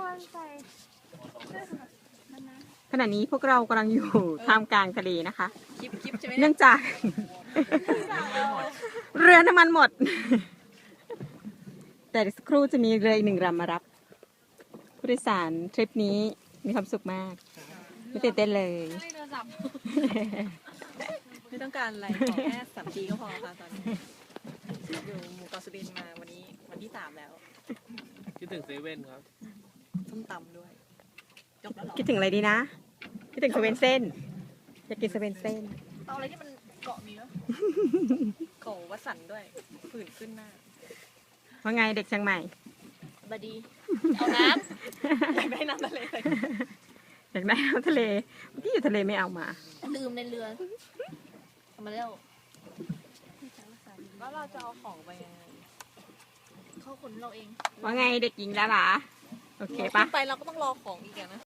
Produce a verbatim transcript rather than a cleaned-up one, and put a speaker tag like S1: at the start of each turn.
S1: ใส่เสื้อนั่นนะ
S2: ขณะนี้พวกเรากำลังอยู่ท่ามกลางทะเลนะคะ
S3: คลิปคลิปใช่ไหม
S2: เนื่องจาก เรือน้ำมันหมด แต่สักครู่จะมีเรืออีกหนึ่งลำมารับ ผู้โดยสารทริปนี้มีความสุขมาก ไม่ตื่นเต้นเลย
S1: ไม่โทรศัพท์
S3: ไม่ต้องการอะไรขอแค่สามทีก็พอค่ะตอนนี้อยู่หมู่เกาะสุรินทร์มาวันนี้วันที่สามแล้ว
S4: คิดถึงเซเว่นครับ
S3: ส้มตำด้วยจบแล้วเหรอ
S2: คิดถึงอะไรดีนะ คิดถึงสเวนเซ่นอยากกินสเวนเซ่น
S3: เอาอะไรที่มันเกาะมีวะเกาะวัดสันด้วยผื่นขึ้นหน้า
S2: ว่าไงเด็กเชียงใหม่
S1: บดี เอาน้
S3: อยากได้น้ำทะเลเลย
S2: อยากได้น้ำทะเลเมื่อกี้อยู่ทะเลไม่เอามา
S1: ำลืมในเรือเอามาแล้ว
S3: แล้วเราจะเอาของไปยังไง
S1: เขาขนเราเอง
S2: ว่าไงเด็กหญิงแล้วหรอโอเคปะ
S3: ขึ้นไปเราก็ต้องรอของอีกอะนะ